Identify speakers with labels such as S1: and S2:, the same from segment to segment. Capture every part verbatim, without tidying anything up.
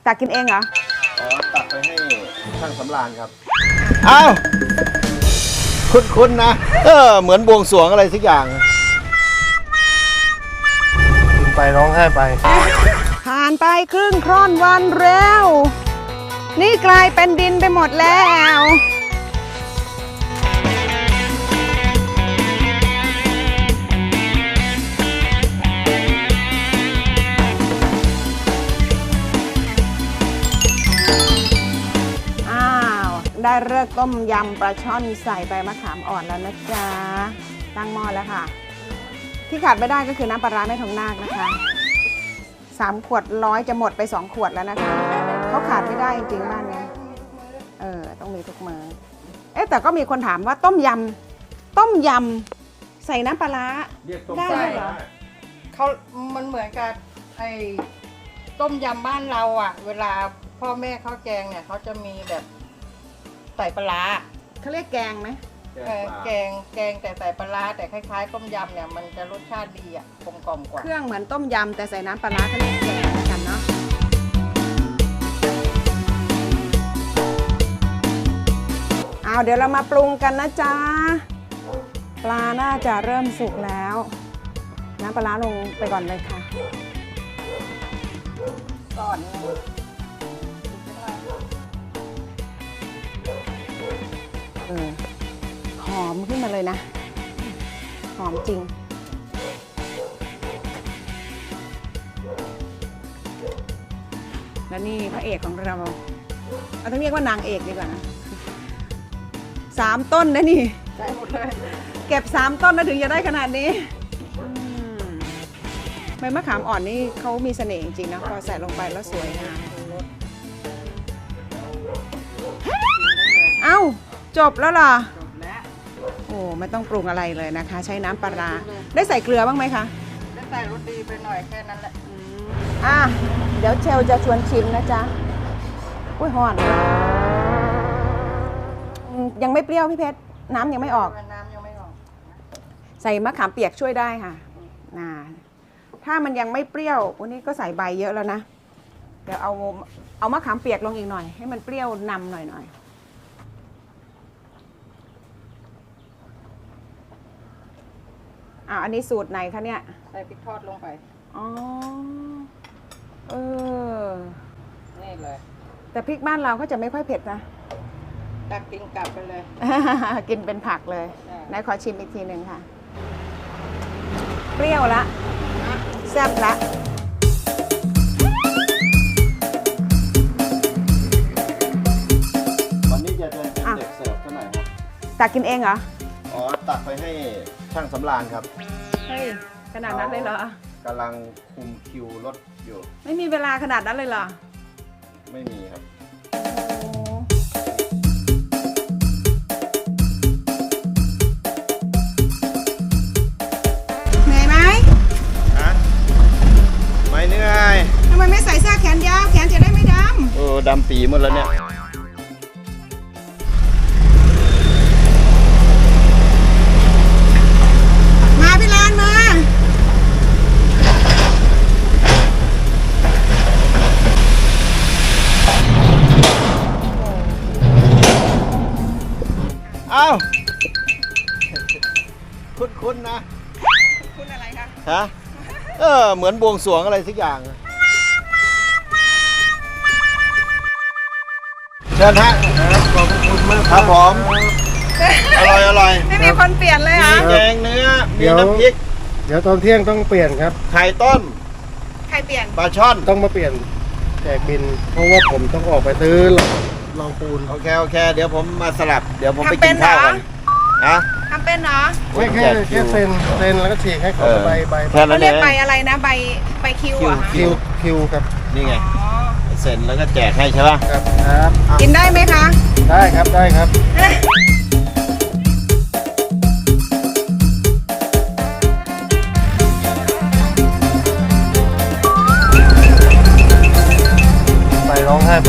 S1: ตักกินเองเหรอ
S2: อ๋อตักไปให้ช่างสำราญครับอ้าวคุ้นๆนะเออเหมือนบวงสรวงอะไรสักอย่างกินไปร้องไห้ไป
S1: ผ่านไปครึ่งค่อนวันแล้วนี่กลายเป็นดินไปหมดแล้วได้เลิกต้มยำปลาช่อนใส่ใบมะขามอ่อนแล้วนะจ๊ะตั้งหม้อแล้วค่ะที่ขาดไม่ได้ก็คือน้ำปลาร้าแม่ทองนาคนะคะสามขวดร้อยจะหมดไปสองขวดแล้วนะคะเขาขาดไม่ได้จริงๆบ้านนี้เออต้องมีทุกมื้อเอ๊ะแต่ก็มีคนถามว่าต้มยำต้มยำใส่น้ำปลาร้าได้เหรอ
S3: เขามันเหมือนกับไอ้ต้มยำบ้านเราอ่ะเวลาพ่อแม่เขาแกงเนี่ยเขาจะมีแบบใส่ปลา
S1: เขาเรียกแกงไหม
S3: แกงแกงแต่ใส่ปลาแต่คล้ายๆต้มยำเนี่ยมันจะรสชาติดีอ่ะกลมกล่อมกว่า
S1: เครื่องเหมือนต้มยำแต่ใส่น้ำปลาเขาเรียกแกงกันเนาะเอาเดี๋ยวเรามาปรุงกันนะจ๊ะปลาน่าจะเริ่มสุกแล้วน้ำปลาลงไปก่อนเลยค่ะ
S3: ก่อน
S1: เออหอมขึ้นมาเลยนะหอมจริงและนี่พระเอกของเราเราต้องเรียกว่านางเอกดีกว่านะสามต้นนะนี่
S3: ได้หมดเลย
S1: เก็บสามต้นแล้วถึงจะได้ขนาดนี้ใบมะขามอ่อนนี่เขามีเสน่ห์จริงๆนะพอใส่ลงไปแล้วสวยงามเอ้าจบแล้วเหรอ
S3: จบแล้ว
S1: โอ้ไม่ต้องปรุงอะไรเลยนะคะใช้น้ำปลาร้าได้ใส่เกลือบ้างไหมคะ
S3: ได้ใส่รสดีไปหน่อยแค่นั้นแหละ
S1: อ่ะเดี๋ยวเชลจะชวนชิมนะจ๊ะอุ้ยหอนยังไม่เปรี้ยวพี่เพชรน้ำยังไม่ออก
S3: น้ำยังไม่ออก
S1: ใส่มะขามเปียกช่วยได้ค่ะน่าถ้ามันยังไม่เปรี้ยววันนี้ก็ใส่ใบเยอะแล้วนะเดี๋ยวเอาเอามะขามเปียกลงอีกหน่อยให้มันเปรี้ยวนำหน่อยหน่อยอ่าอันนี้สูตรไหนคะเนี่ย
S3: ใส่พริกทอดลงไป
S1: อ๋อเออ
S3: นี่เลย
S1: แต่พริกบ้านเราก็จะไม่ค่อยเผ็ดนะ
S3: ตักกินกลับไปเลย
S1: กินเป็นผักเลยนายขอชิมอีกทีหนึ่งค่ะเปรี้ยวละแซ่บละ
S2: วันนี้จะเป็นเด็กเสิร์ฟเท่าไหร่ครับ
S1: ตักกินเองเหรอ
S2: อ๋อตักไปให้ช่างสำราญครับ
S1: เฮ้ยขนาดนั้นเลยเหร
S2: อกำลังคุมคิวรถอยู่
S1: ไม่มีเวลาขนาดนั้นเลยเหรอ
S2: ไม่มีครับ
S1: เหนื่อยไหม
S2: ฮะไม่เหนื่อย
S1: ทำไมไม่ใส่เสื้อแขนยาวแขนจะได้ไม่ดำ
S2: เออดำปีหมดแล้วเนี่ยอ้าวคุ้นๆนะ
S1: คุ้นอะไรคะ
S2: ฮะเออเหมือนบวงสรวงอะไรสักอย่างเชิญฮะขอบคุณมากครับผมอร่อยอร่อย
S1: ไม่มีคนเปลี่ยนเลยอ่ะ
S2: มีแกงเนื้อมีน้ำพริก
S4: เดี๋ยวตอนเที่ยงต้องเปลี่ยนครับ
S2: ไข่ต้ม
S1: ไข่เปลี่ยน
S2: ปลาช่อน
S4: ต้องมาเปลี่ยนแจกบินเพราะว่าผมต้องออกไปซื้อลองปูน
S2: โอเคโอเคเดี๋ยวผมมาสลับเดี๋ยวผมไปกินข้าวกัน
S1: นะทำเป็นเหรอ
S4: ไม่แค่แค่เซ็นเซ็นแล้วก็ฉีกให้เขาใบใบ
S1: เขาเรียกใบอะไรนะใบใบคิวอ่ะ
S4: คิวคิวครับ
S2: นี่ไงเซ็นแล้วก็แจกให้ใช่ป่ะ
S4: ครับครับ
S1: กินได้ไหมคะ
S4: ได้ครับได้ครับไปร้องไห้ไป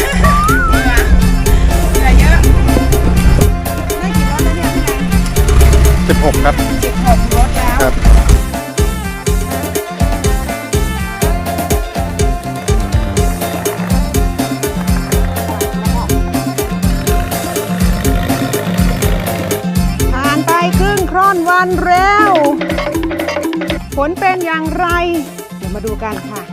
S4: สิบหกครับ
S1: สิบหกรถแล้ว
S4: ครับ
S1: อนเร็วผลเป็นอย่างไรเดี๋ยวมาดูกันค่ะ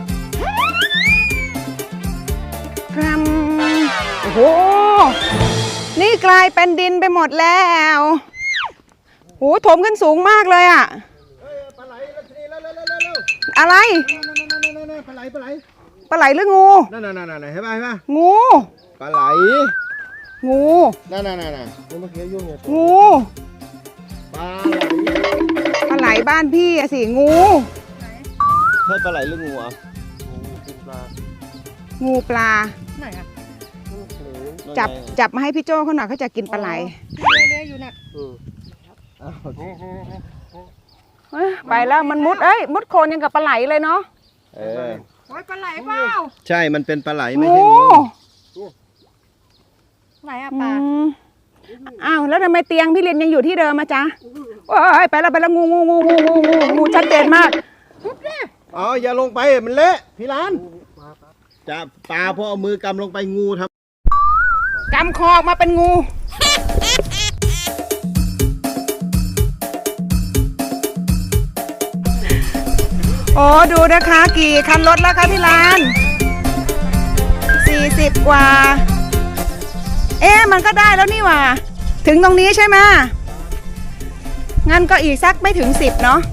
S1: ครับโอ้โหนี่กลายเป็นดินไปหมดแล้วโหถมขึ้นสูงมากเลยอะ
S2: เฮ้ยปลาไหลแล้วทีนี้แล้วแล้วแล้วแล้ว
S1: อะไร
S2: นั่นๆๆๆๆปลาไหลปลาไหล
S1: ปลาไหลหรืองู
S2: นั่นๆๆๆเห็นป่ะเห็นป่ะ
S1: งู
S2: ปลาไหล
S1: งู
S2: นั่นๆๆๆ
S4: นี่เมื่อกี้ยุ่งเนี่ย
S1: งู
S2: ปลา
S1: ปลาไหลบ้านพี่อะสิงู
S2: ใช่ปลาไหลหรืองูอ่ะ
S4: เป็นปลา
S1: งูปลา
S3: ไหนอะ
S1: จับจับมาให้พี่โจ้เขาหน่อยเขาจะกินปลาไหล
S3: เลื้อยๆอยู่น่ะ
S2: อ้าว
S1: เอ้ยไปแล้วมันมุดเอ้ยมุดโคลนยังกับปลาไหลเลยเนาะ
S2: เออ
S3: โอ้ยปลาไหลเปล่า
S2: ใช่มันเป็นปลาไหลไม่
S1: งู
S2: ใช่งู
S3: ไหนอะ
S1: อื
S3: ปลา
S1: มอ้าวแล้วทำไมเตียงพี่เรียนยังอยู่ที่เดิมมาจ๊ะโอ้ยไปแล้วไปแล้วงูงูงูงูงูงูงูชัดเจนมาก
S2: อ๋ออย่าลงไปมันเละพี่ร้านจะปลาพอเอามือกำลงไปงูทำ
S1: กำคอออกมาเป็นงูโอ้ดูนะคะกี่คันรถแล้วคะพี่ลานสี่สิบกว่าเอ๊ะมันก็ได้แล้วนี่หว่าถึงตรงนี้ใช่ไหมงั้นก็อีกสักไม่ถึงสิบเนาะ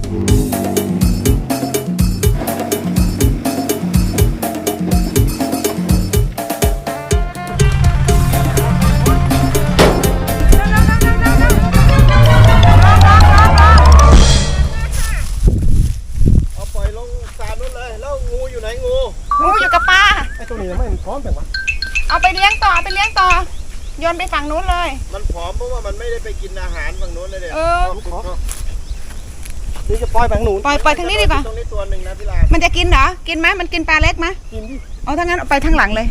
S2: เอาปล่อยลงสระนู้นเลยแล้วงูอยู่ไหนงู
S1: งูอยู่กับปลา
S4: ไอ้ตัวนี้ไม่มันพร้อมแต่ว่า
S1: เอาไปเลี้ยงต่อเอาไปเลี้ยงต่อโยนไปฝั่งนู้นเลย
S2: มันผอมเพราะว่ามันไม่ได้ไปกินอาหารฝั่งนู้นเลยเด็
S1: เออ
S4: นี่จะปล่อยแบงหนู
S1: ปล่อยปล่อยทางนี้ดีกว่า
S2: ตรงนี้ตัวหนึ่งนะพี่ลาน
S1: มันจะกินเหรอกินไหมมันกินปลาเล็กไหม
S4: กินดิ
S1: เอาถ้างั้นเอาไปทางหลังเลย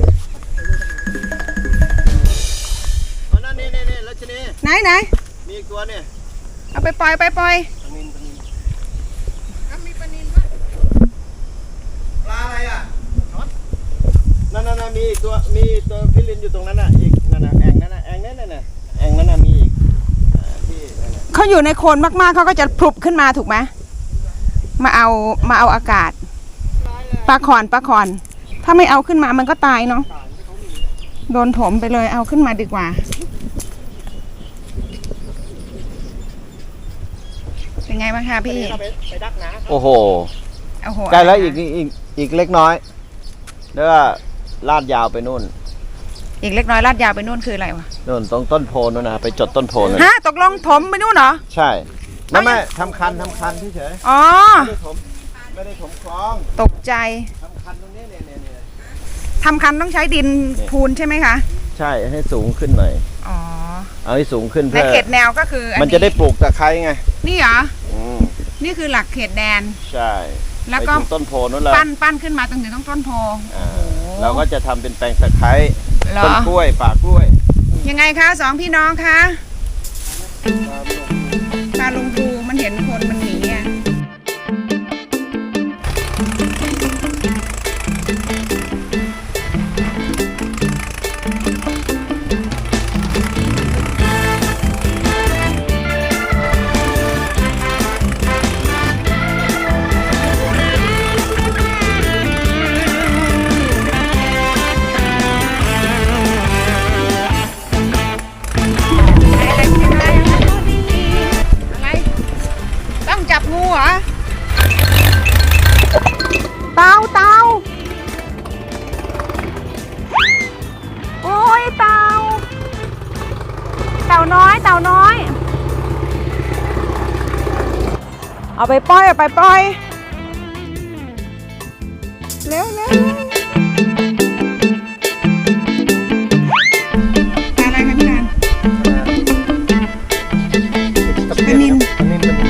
S2: อ๋อนั่นนี่นี่นี่แล้วชนี
S1: ไหนไหน
S2: มีอีกตัวเนี่ย
S1: เอาไปปล่อยไปปล่อย
S2: ปลาอะไรอ่ะนั่นนั่นนั่นมีอีกตัวมีตัวพี่ลินอยู่ตรงนั้นน่ะอีกนั่นน่ะแอ่งนั่นน่ะแอ่งนั่นน่ะแอ่งนั่นน่ะมีอีกอ่าที่นั่นน่ะ
S1: เขาอยู่ในโคลนมากๆเขาก็จะพลุบขึ้นมาถูกไหมมาเอามาเอาอากาศปลาขอนปลาขอน ถ้าไม่เอาขึ้นมามันก็ตายเนาะโดนถมไปเลยเอาขึ้นมาดีกว่าเป็นไงบ้างคะพี่
S4: ไปดักนะ
S2: โอ้โห
S1: โอ้โห
S2: ใกล้แล้วอีกอีกอีกเล็กน้อยแล้วก็ลาดยาวไปนู่น
S1: อีกเล็กน้อยลาดยาวไปนู่นคืออะไรวะ
S2: นู่นตรงต้นโพนู่นนะไปจดต้นโพเลย
S1: ฮะตกลงถมไปนู่นเหรอ
S2: ใช่ไม่ไม่ทำคันทำคันเฉย
S1: อ๋อ
S2: ๆไม่ได้ถมไม่ได้ถมคลอง
S1: ตกใจ
S2: ทำคันตรงนี้เนี่ยเนี่ยเนี่ย
S1: ทำคันต้องใช้ดินพูนใช่ไหมคะ
S2: ใช่ให้สูงขึ้นหน่อย
S1: อ๋อ
S2: เอาให้สูงขึ้น
S1: ใน
S2: เพื่อ
S1: เขตแนวก็คืออั
S2: มันจะได้ปลูกตะไคร้ไง
S1: นี่เหรอ
S2: อืม
S1: นี่คือหลักเขตแดน
S2: ใช่
S1: แล้วก็
S2: ไปถึงต้นโพนู่นเลย
S1: ปั้นปั้นขึ้นมาตรงถึงต้องต้นโพ
S2: อ่าเราก็จะทำเป็นแปลงตะไคร้
S1: เหรอ
S2: ต้นกล้วยป่ากล้วย
S1: ยังไงคะสองพี่น้องคะปลาลงปูมันเห็นคนมันหนีอ่ะอะไรต้องจับงูเหรอเต่าเต่าโอ้ยเต่าเต่าน้อยเต่าน้อยเอาไปปล่อยเอาไปปล่อยเร็วเร็วปลาอะไรคะพี่นัน ปลานิล
S4: ปลานิลปลานิล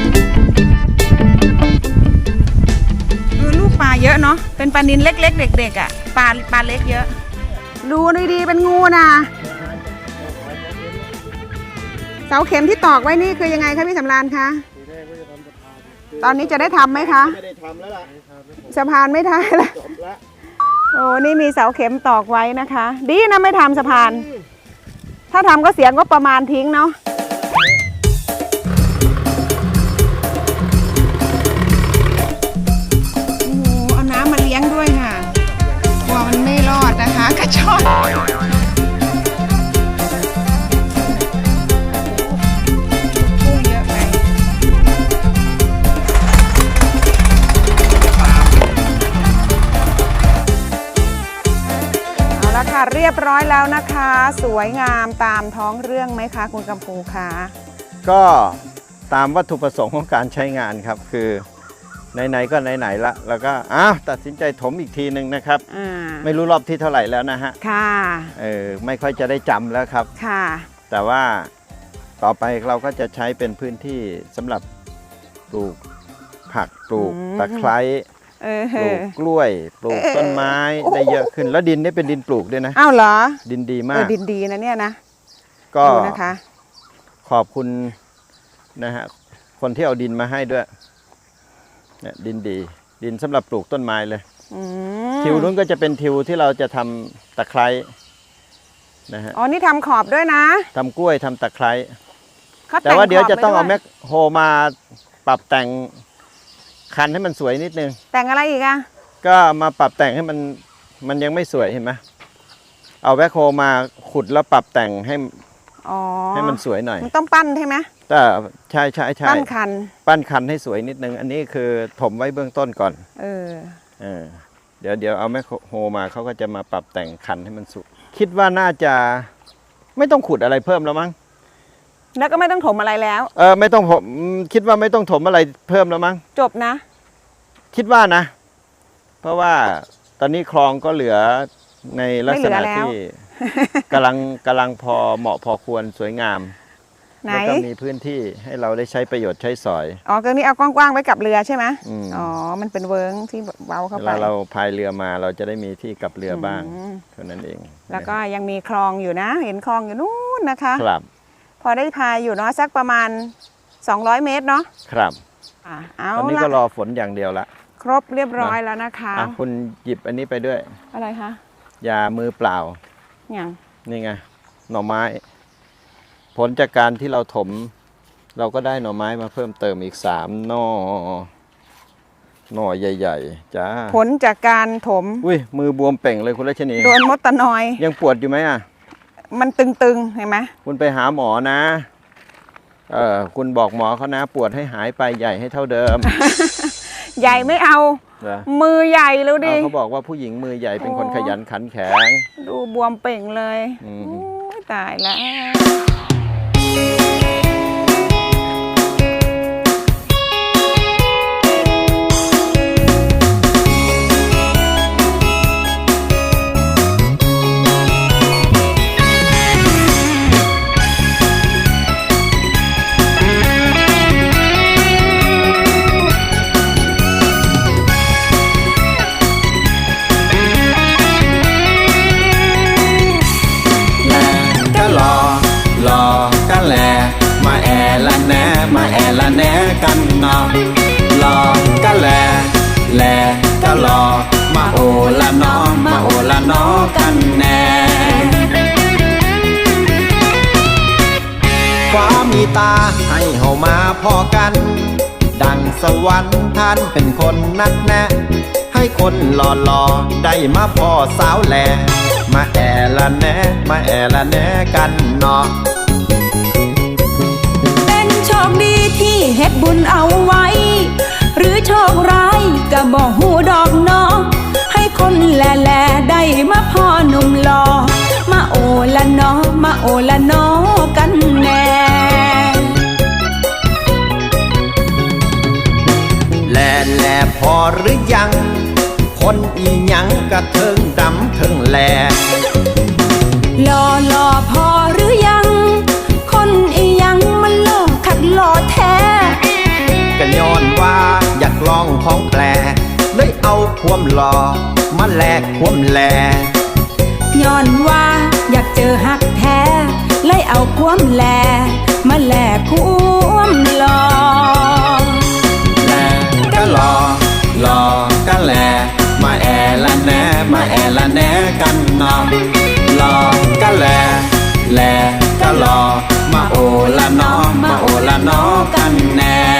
S1: เออลูกปลาเยอะเนาะเป็นปลานิลเล็กๆเด็กๆอ่ะปลาปลาเล็กเยอะดูดีๆเป็นงูนะเสาเข็มที่ตอกไว้นี่คือยังไงคะพี่สำราญคะ
S4: ทีแรกก็จะทำสะพาน
S1: ตอนนี้จะได้ทำไหมคะ
S2: ไม่ได้ทำแล้วล่ะ
S1: สะพานไม่ได้ละ
S2: จบละ
S1: โอ้นี่มีเสาเข็มตอกไว้นะคะ ดีนะไม่ทำสะพาน ถ้าทำก็เสียงก็ประมาณทิ้งเนาะละค่ะเรียบร้อยแล้วนะคะ สวยงามตามท้องเรื่องไหมคะคุณกำพูคะ
S2: ก็ตามวัตถุประสงค์ของการใช้งานครับ คือไหนๆก็ไหนๆละแล้วก็อ้าวตัดสินใจถมอีกทีหนึ่งนะครับ
S1: อ่า
S2: ไม่รู้รอบที่เท่าไหร่แล้วนะฮะ
S1: ค่ะ
S2: เออไม่ค่อยจะได้จำแล้วครับ
S1: ค่ะ
S2: แต่ว่าต่อไปเราก็จะใช้เป็นพื้นที่สำหรับปลูกผักปลูก
S1: อืม
S2: ตะไคร้
S1: เออ
S2: ปลูกกล้วย ปลูกต้นไม้
S1: เออ
S2: ได้เยอะขึ้น แล้วดินนี่เป็นดินปลูกด้วยนะ
S1: อ้าวเหรอ
S2: ดินดี
S1: เอ
S2: มา
S1: อก ดินดีนะเนี่ยนะ
S2: ก็
S1: ดูนะคะ
S2: ขอบคุณนะฮะคนที่เอาดินมาให้ด้วยเนี่ยดินดี ดินสำหรับปลูกต้นไม้เลย
S1: อืม
S2: ทิวนู้นก็จะเป็นทิวที่เราจะทำตะไคร้นะฮะ
S1: อ๋อนี่ทำขอบด้วยนะ
S2: ทำกล้วยทำตะไคร้
S1: เขา
S2: แต่ว่าเดี๋ยวจะต้องเอา
S1: ขบ
S2: แม
S1: ไว้
S2: คโฮมาปรับแต่งคันให้มันสวยนิดนึง
S1: แต่งอะไรอีกอะ
S2: ก็มาปรับแต่งให้มันมันยังไม่สวยเห็นไหมเอาแมคโฮมาขุดแล้วปรับแต่งให้
S1: อ๋อ
S2: ให้มันสวยหน่อย
S1: มันต้องปั้นใช่ไหม
S2: แต่ใช่ใช่ใช่
S1: ปั้นคัน
S2: ปั้นคันให้สวยนิดนึง อันนี้คือถมไว้เบื้องต้นก่อน
S1: เออ
S2: เออเดี๋ยวเดี๋ยวเอาแมคโฮมาเขาก็จะมาปรับแต่งคันให้มันสวยคิดว่าน่าจะไม่ต้องขุดอะไรเพิ่มแล้วมั้ง
S1: แล้วก็ไม่ต้องถมอะไรแล้ว
S2: เออไม่ต้องผมคิดว่าไม่ต้องถมอะไรเพิ่มแล้วมั้ง
S1: จบนะ
S2: คิดว่านะ เพราะว่าตอนนี้คลองก็เหลือในลักษณะ
S1: ไม่เหลือแล้ว
S2: ที่กำลังกำลังพอเหมาะพอควรสวยงาม
S1: ไหน
S2: แล้วก็มีพื้นที่ให้เราได้ใช้ประโยชน์ใช้สอย
S1: อ๋อก็นี่เอากว้างๆไว้กับเรือใช่ไหม
S2: อืม
S1: อ๋อ มันเป็นเวิร์งที่เว้าเข้า
S2: เว
S1: ไป
S2: ลาเราพายเรือมาเราจะได้มีที่กลับเรือบ้าง
S1: อืม
S2: เท่านั้นเอง
S1: แล้วก็ยังมีคลองอยู่นะ เห็นคลองอยู่นู้นนะคะ
S2: ครับ
S1: พอได้พายอยู่เนาะสักประมาณสองร้อยเมตรเนาะ
S2: ครับ
S1: อ่ะเอา
S2: ตอนนี้
S1: ละ
S2: ก็รอฝนอย่างเดียวละ
S1: ครบเรียบร้อยแล้วนะคะ
S2: อ่ะคุณหยิบอันนี้ไปด้วย
S1: อะไรคะ
S2: ยามือเปล่า
S1: อย่าง
S2: นี่ไงหน่อไม้ ผลจากการที่เราถม เราก็ได้หน่อไม้มาเพิ่มเติมอีกสามหน่อหน่อใหญ่ๆจ้า
S1: ผลจากการถม
S2: อุ้ยมือบวมเป่งเลยคุณรัชนี
S1: โดนมดตะนอย
S2: ยังปวดอยู่ไหมอ่ะ
S1: มันตึงๆ เห็นไหม
S2: คุณไปหาหมอนะ เออคุณบอกหมอเขานะ ปวดให้หายไปใหญ่ให้เท่าเดิม
S1: ใหญ่ไม่เอา
S2: เหรอ
S1: มือใหญ่แล้วดิ
S2: เอาเขาบอกว่าผู้หญิงมือใหญ่เป็นคน
S1: โอ้
S2: ขยันขันแข็ง
S1: ดูบวมเป่งเลย
S2: อืม
S1: โอ้ยตายแล้ว
S5: ก็รอรอก็แลมาแอละแหนมาแอละแหนกันเนาะรอก็แลแลก็รอมาโอละเนาะมาโอละเนาะกันแน่ฟ้ามีตาให้เฮามาพอกัน ดังสวรรค์ท่านเป็นคนนัดแนะ ให้คนหล่อหล่อๆได้มาพ่อสาวแหลมาแอละแหนมาแอละแหนกันเนาะ
S6: เป็นโชคดีที่เฮ็ดบุญเอาไว้ หรือโชคร้ายก็บอกหูดอกเนาะให้คนแลแลได้มาพ่อหนุ่มหล่อมาโอละเนาะมาโอละเนาะกันแน่
S5: แลแลพอหรือยัง คนอีหยังกระเทิงดำเทิงแล
S6: หล่อหล่อพอหรือยัง คนอีหยังมันหล่อขัดหล่อแท้
S5: ก็ย้อนว่าอยากลองของแปลเลยเอาความหล่อมาแลกความแล
S6: ย้อนว่าอยากเจอหักแท้เลยเอาความแลมาแลกความหล่อ
S5: แลก็รอรอก็แลมาแอละแหนมาแอละแหนกันเนาะรอก็แลแลก็รอมาโอละเนาะมาโอละเนาะกันแน่